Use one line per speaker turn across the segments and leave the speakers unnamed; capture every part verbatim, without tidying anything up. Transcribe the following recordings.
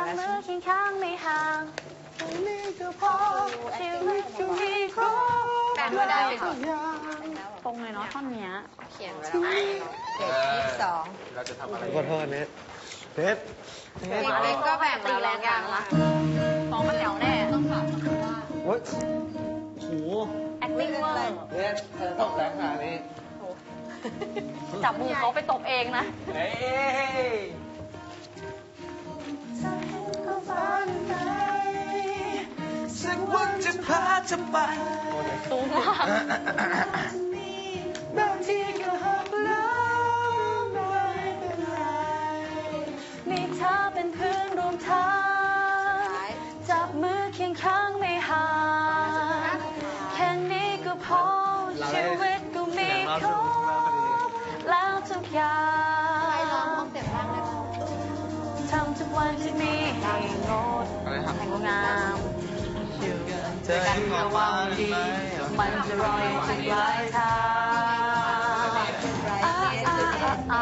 มือเคียงข้างไม่ห่างนี่ก็พอชีวิตก็มีครบแต่ไม่ได้ค่ะตรงเลยเนาะท่อนเนี้ยเขียนไว้แล้วเจ็ดยี่สิบสอง
เราจะทำอะไร
ขอโทษเน็ตเน็ตเน็ต
เล็กก็แบ่งตีแรงยังละสองมันแถวแน่ต้องฝากว่า
โอ้ยโห
acting เวอร์
เน็ตเธอต้องแรงขนาดนี้
จับมือเขาไปตบเองนะ
เฮ้ยสักวันจะพาเธอไป
สูงมาก
บางทีก็หักล้มไม่เป็นไร
มีเธอเป็นเพื่อนร่วมทางจับมือเคียงข้างไม่ห่างแค่นี้ก็พอชีวิตก็มีครบแล้วทุกอย่างทำทุกวันที่มีให้งดให้งดงามอยู่กันระหว่างดีมันจะรออยู่ถึงปลายทางอ้าอ้าอ้า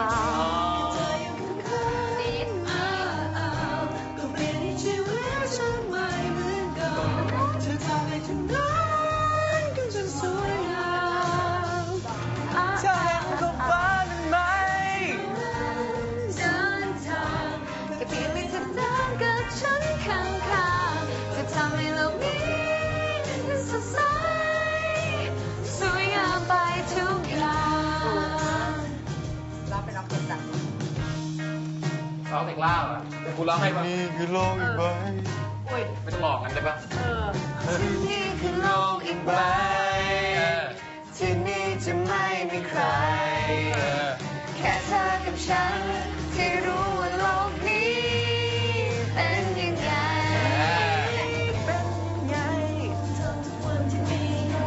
ก็เปลี่ยนให้ชีวิตฉันไม่เหมือนเดิมเธอทำให้ทุกนั้นกันจนสวยงาม
เธอเห็นท้องฟ้านั้นไหม
เดินทางก็เพียงไม่เธอเดินกับฉันข้างๆจะทำให้โลกนี้นั้นสดใสสวยงามไปทุกอย่างเราไปร้องเพลงกัน
ร้องเพลงล่าอ่ะเป็นกูร้องให้ป่ะ
นี่คือโลกอีกใบ
อุ้ย
ไม่ต้องบอกกันได้ป่ะ
เออ
นี่คือโลกอีกใบที่นี่จะไม่มีใครแค่เธอกับฉันที่รู้ว่าโลกนี้เป็นยังไงเป็นยังไงทำทุกวันที่มี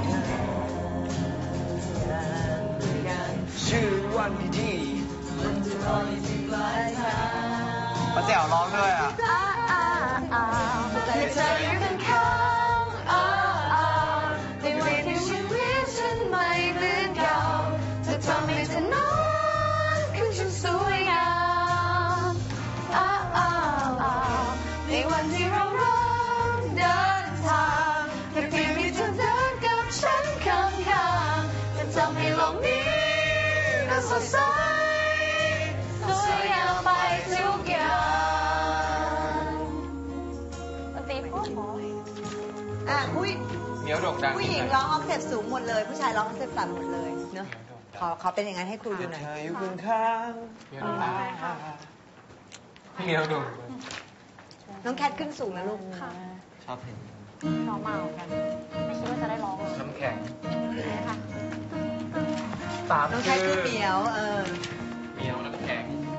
ชื่อวันดีมันจะรออยู่ที่ปลายทางป้าแจ๋วร้องด้วยอ่ะ
อ้าอ้าอ้าแต่เธออยู่ข้างๆอ้าอ้าในวันที่ชีวิตฉันไม่เหมือนเก่าเธอทำให้เธอนอนขึ้นฉันสวยงามอ้าอ้าอ้าในวันที่เราร้องเดินทางแค่เพียงมีเธอเดินกับฉันข้างๆจะทำให้โลกนี้น่าสดใสสวยงามไปทุกอย่างดนตรีพ่อหมอ
อ่ะผู้
เหนียวโด่งดัง
ผู้หญิงร้องออกเทปสูงหมดเลย ผู้ชายร้องออกเทปต่ำหมดเลยเนอะขอขอเป็นอย่างนั้นให้ครูดูหน่อย
เธออยู่ข้าง
เหนียวโด่งดังเหนียวโด่ง
น้องแคทขึ้นสูงนะลูก
ค่ะ
ชอบเพลง
ร้องมาเหมือนกัน ไม่คิดว่าจะได้ร้องเลย
น้ำแข็ง
ค่ะ
ตาม
น้องแคทคือเหมียวเออ
เหนียวน้ำแข็ง